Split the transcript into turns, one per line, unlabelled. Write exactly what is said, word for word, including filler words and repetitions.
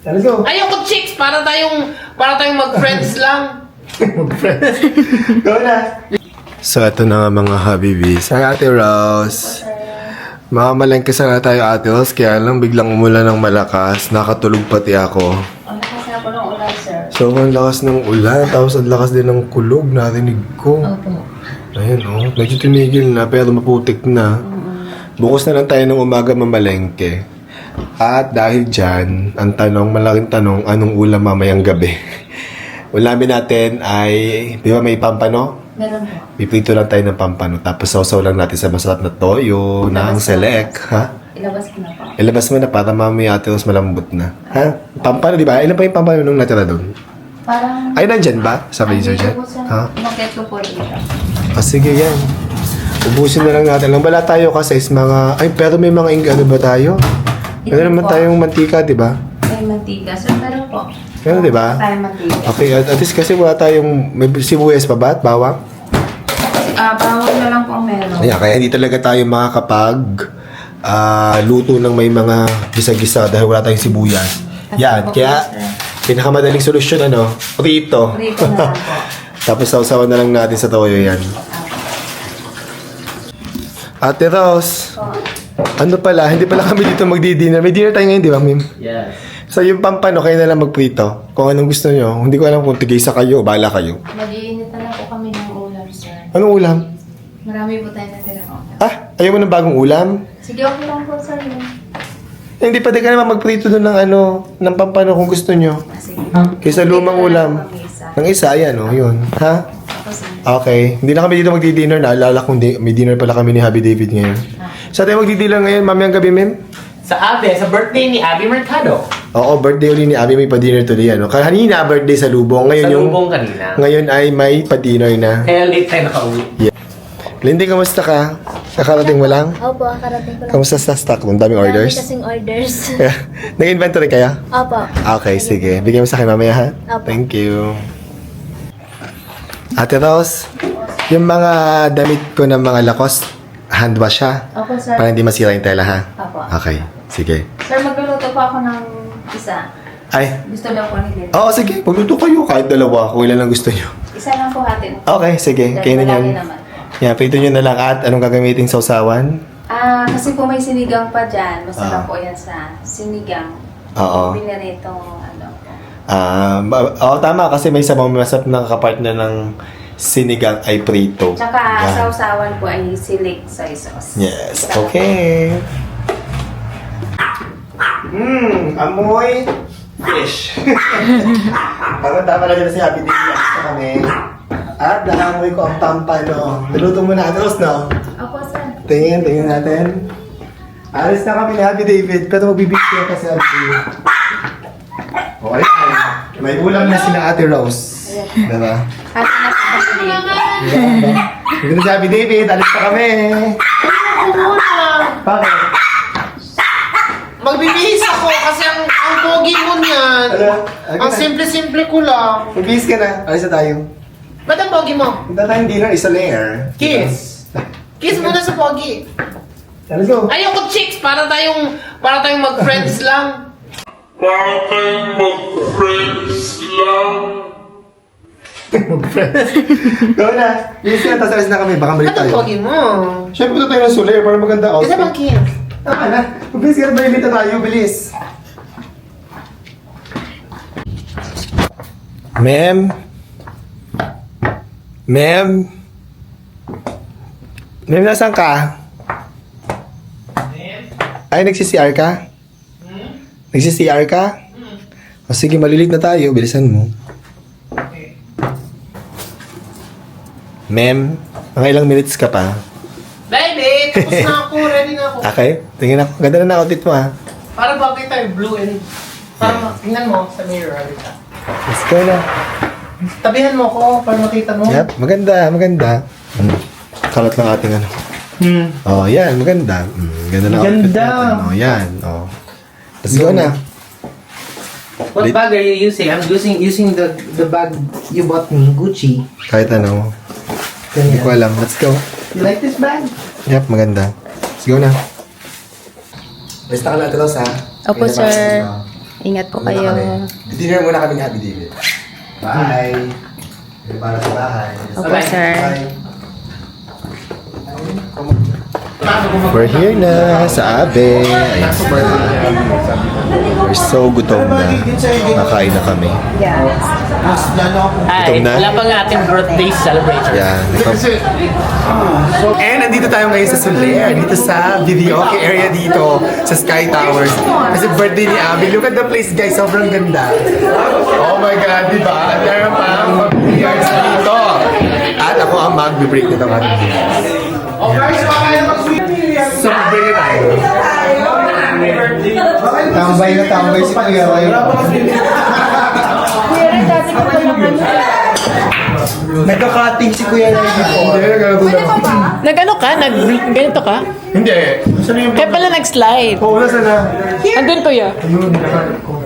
Let's go.
Ayoko chicks, para tayong, para tayong mag-friends lang.
Mag-friends. Go na. So, ito na nga mga habibis. Hi, Ate Rose. Makamalengke sana tayo, Ate Rose. Kaya lang biglang umulan ng malakas. Nakatulog pati ako.
Ang lakas na po ng ulan, sir.
So, ang lakas ng ulan. Tapos ang lakas din ng kulog. Narinig ko.
Opo.
Ayun, oh. Medyo tumigil na, pero maputik na. Bukas na lang tayo ng umaga mamalengke. At dahil dyan, ang tanong, malaking tanong, anong ulam mamayang gabi? Ulamin natin ay, di ba may pampano?
Meron po.
Piprito lang tayo ng pampano. Tapos sausaw lang natin sa masarap na toyo, ng select, ha?
Ilabas ko na po.
Ilabas mo na para mamaya ate mas malambot na. Ha? Pampano, di ba? Ilan pa yung pampano nung natira doon?
Parang...
Ay, nandyan ba? Sa freezer dyan? Ha?
Umakyat ko po dito.
Ah, sige yan. Ubusin na lang natin. Lang bala tayo kasi is mga... Ay, pero may mga ing ano ba tayo?
Ito
Meron naman
po.
tayong mantika, di ba?
May mantika. Sir, meron po.
Meron, di ba?
Tayong mantika.
Okay, at, at least kasi wala tayong... May sibuyas pa ba at bawang?
Ah, bawang na lang po ang meron.
Ayan, kaya hindi talaga tayo makakapag... ah, luto ng may mga gisa-gisa dahil wala tayong sibuyas. Yan, kaya... Pinakamadaling solusyon, ano? Prito.
Prito na lang po.
Tapos sausawan na lang natin sa toyo yan. Ate Rose,
Po.
ano pala, hindi pala kami dito magdi-dinner. May dinner tayo ngayon, di ba, Mim?
Yes.
So yung pampano, kayo na lang magprito. Kung anong gusto nyo. Hindi ko alam kung tigisa kayo o bala kayo.
Mag-iinit na lang po kami ng ulam, sir.
Anong ulam?
Marami po tayo natirang ulam.
Ah, ayaw mo ng bagong ulam?
Sige, okay lang po, sir.
Eh, hindi pwede ka naman magprito doon ng ano, ng pampano kung gusto nyo.
Ah, sige.
Kaysa lumang
Prito na
ulam.
lang po kami isa.
Ng isa, ayan o, yun. Ha?
Ako, sir.
Okay. Hindi na kami dito magdi-dinner. Naalala kong di- may dinner pala kami ni Happy David ngayon. Sa tayo magdi-dinner ngayon, mamayang gabi, Mim?
Sa Abe, sa birthday ni Abby Mercado.
Oo, birthday uli ni Abby, may pa-dinner today. Ano? Kanina, birthday sa Lubong. Ngayon,
Sa
yung,
lubong kanina.
ngayon ay may pa-dinner na.
Kaya late tayo nakauwi.
Lindy, kamusta ka? Kakarating mo lang?
Opo, kakarating ko lang.
Kamusta sa stock? Ang daming orders?
Dami kasing orders.
Nag-inventory kaya?
Opo.
Okay, sige. Bigyan mo sa akin mamaya, ha?
Opo.
Thank you. Ate Rose, yung mga damit ko ng mga Lacoste, hand wash, ha?
Opo, sir.
Para hindi masira yung tela, ha?
Opo.
Okay, sige.
Sir, magluluto po ako ng isa.
Ay,
Gusto daw po ni Lily.
oo, sige. Pagluto kayo kahit dalawa kung ilan ang gusto nyo.
Isa lang po hatin.
Okay, sige. Kayo na yan.
naman.
Yan, prito nyo na lang at anong gagamitin sa usawan?
Ah, kasi po may sinigang pa dyan. Basta
Ah.
lang po yan sa sinigang.
Oo.
Pinaritong ano.
Ah, ba- oo, tama kasi may sabang masarap na kapartner ng sinigang ay prito.
Tsaka
Yan.
sa usawan po ay silik soy sauce.
Yes, okay. Mmm, amoy fish. Tama tama na dyan si Happy David sa kami. At nakamoy ko ang pampano. Niluto mo na, Rose, no?
Opo, sir.
Tingin, tingin natin. Alis na kami ni Happy David, pero magbibigyan kasi Happy. Okay, may ulam na sila Ate Rose. Diba?
Kasi nasa pamilya.
Dito na si Happy David, alis na kami. Bakit?
Magbibihis ako kasi ang, ang pogi mo niyan.
Ano?
Ang simple-simple ko lang.
Magbihis ka na, alis na tayo.
Ba't ang pogi mo?
Punta tayong dinner, isa layer.
Kiss. Kiss muna sa pogi.
Let's go.
Ayoko chicks, para tayong, para tayong mag-friends lang.
Para tayong mag-friends lang.
Go na. Bilis ka na, tapos alis na kami. Baka malit
Ba't ang
tayo.
pogi mo?
Siyempre punta tayo ng Soler para maganda
Kasi
outfit.
bang kiss?
Tama na. Bilis ka na, malit na tayo. Bilis. Ma'am? Ma'am? Ma'am, nasaan ka? Ay, nagsi-C R ka? Nagsi-C R ka? O sige, malilit na tayo. Bilisan mo. Ma'am, mga ilang minutes ka pa?
Baby, tapos na ako. Ready na ako.
Okay, tingin ako. Ganda na na outfit mo, ha?
Para bagay tayo, blue and... Para ma- tingnan mo sa mirror. Alita.
Let's go na.
Tabihan mo ko para makita mo.
Yep, maganda, maganda. Hmm. Kalat lang ating ano.
Hmm.
Oh, yan, maganda. Mm, ganda na outfit
Ganda.
natin. Oh, yan. Oh. Let's go na.
What bag are you using? I'm using using the the bag you bought me, Gucci.
Kahit ano. Hindi ko alam. Let's go.
You like this bag?
Yep, maganda. Let's go na. Basta ka natin, Ross, ha?
Opo,
Kaya
sir.
naman,
Ingat po kayo.
Dinner muna kami ni Happy David. Bye! Para sa bahay.
Opo, sir.
We're here na sa Abe. Ayan. We're so gutom na. Nakain na kami.
Ay,
Gutom na?
wala pa nga ating birthday celebration.
Yan.
And nandito tayo ngayon sa Soler, dito sa videoke area dito sa Sky Towers. Kasi birthday ni Abby. Look at the place guys, sobrang ganda. Oh my God, di ba? At meron pa ang mag-yards dito. At ako ang mag-break nito ang ating videos. So, mag-break na tayo.
Tambay na tambay si Kuya Ray.
Nagka-cutting si Kuya Ray dito.
Nag-ano ka? Nag-ganito ka?
Hindi. Saan yung...
Kaya pala nag-slide.
Oo, nasa na?
Andun, kuya.
Ayun, naka-